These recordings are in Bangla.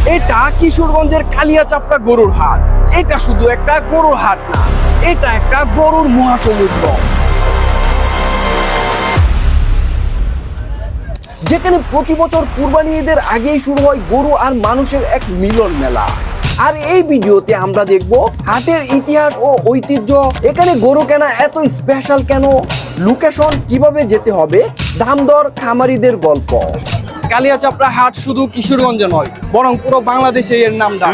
এটা কিশোরগঞ্জের কালিয়াচাপড়া গরুর হাট। এটা শুধু একটা গরুর হাট না, এটা একটা গরুর মহাসমুদ্র, যেখানে প্রতি বছর কুরবানি ঈদের আগেই শুরু হয় গরু আর মানুষের এক মিলন মেলা। আর এই ভিডিওতে আমরা দেখব হাটের ইতিহাস ও ঐতিহ্য, এখানে গরু কেনা এত স্পেশাল কেন, লোকেশন, কিভাবে যেতে হবে, দাম দর, খামারিদের গল্প। কালিয়াচাপড়া হাট শুধু কিশোরগঞ্জে নয়, বরং পুরো বাংলাদেশে এর নাম ডাক।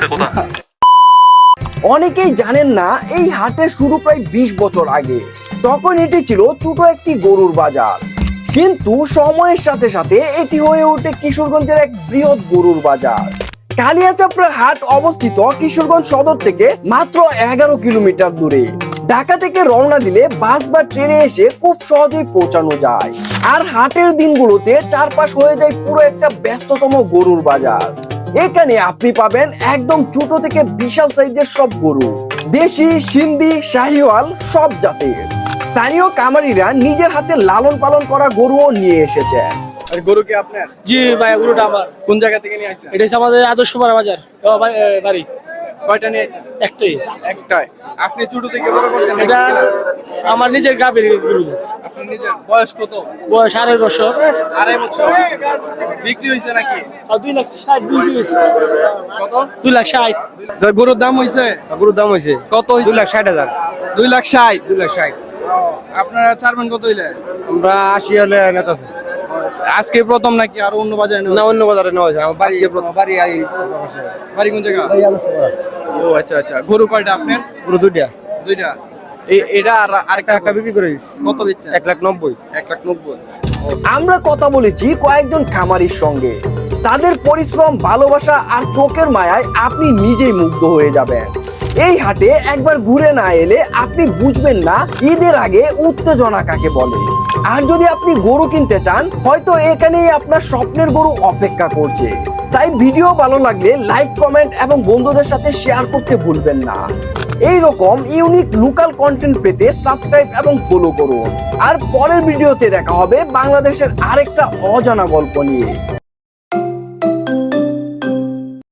অনেকেই জানেন না এই হাটের শুরু প্রায় 20 বছর আগে। তখন এটি ছিল ছোট একটি গরুর বাজার, কিন্তু সময়ের সাথে সাথে এটি হয়ে ওঠে কিশোরগঞ্জের এক বৃহৎ গরুর বাজার। কালিয়াচাপড়ার হাট অবস্থিত কিশোরগঞ্জ সদর থেকে মাত্র 11 কিলোমিটার দূরে। ঢাকা থেকে রওনা দিলে বাস বা ট্রেনে এসে খুব সহজেই পৌঁছানো যায়। আর হাটের দিনগুলোতে চারপাশ হয়ে যায় পুরো একটা ব্যস্ততম গরুর বাজার। এখানে আপনি পাবেন একদম ছোট থেকে বিশাল সাইজের সব গরু, দেশি, সিন্ধি, শাহিওয়াল সব জাতের। স্থানীয় কামারিরা নিজের হাতে লালন পালন করা গরুও নিয়ে এসেছে। আর গরু কি আপনার? জি ভাই, গরুটা আমার। কোন জায়গা থেকে নিয়ে আসছেন? এটা হচ্ছে আমাদের আদর্শপাড়া বাজার বাড়ি। কয়টা নিয়ে আসছেন? একটাই। একটাই। আপনি ছোট থেকে বড় করছেন? এটা আমার নিজের গাভীর গরু। আপনার নিজের বয়স কত? বয়স 2.5 বছর। 2.5 বছর। বিক্রি হয়েছে নাকি? আর 2,60,000 বিক্রি হয়েছে। কত? 2,60,000। গরুর দাম হইছে? গরুর দাম হয়েছে কত? 2,60,000। 2,60,000। 2,60,000। আপনারা ছাড়বেন কত হইলে? আমরা 80 হলে নেতা আছে। আজকে প্রথম নাকি আর অন্য বাজারে না, অন্য বাজারে নেওয়া হয়েছে। আমার বাড়ি আজকে প্রথম। বাড়ি বাড়ি কোন জায়গা? ও আচ্ছা আচ্ছা। গরু কয়টা আপনার? পুরো দুইটা দুইটা। এটা আর আরেকটা একটা বিক্রি করে দিচ্ছি কত বেচছেন? 1,90,000। 1,90,000। আমরা কথা বলেছি কয়েকজন খামারির সঙ্গে। তাদের পরিশ্রম, ভালোবাসা আর চোখের মায়ায় আপনি নিজেই মুগ্ধ হয়ে যাবেন। এই হাটে একবার ঘুরে না এলে আপনি বুঝবেন না ঈদের আগে উত্তেজনা কাকে বলে। আর যদি আপনি গরু কিনতে চান, হয়তো এখানেই আপনার স্বপ্নের গরু অপেক্ষা করছে। তাই ভিডিও ভালো লাগলে লাইক, কমেন্ট এবং বন্ধুদের সাথে শেয়ার করতে ভুলবেন না। এই রকম ইউনিক লোকাল কন্টেন্ট পেতে সাবস্ক্রাইব এবং ফলো করুন। আর পরের ভিডিওতে দেখা হবে বাংলাদেশের আরেকটা অজানা গল্প নিয়ে।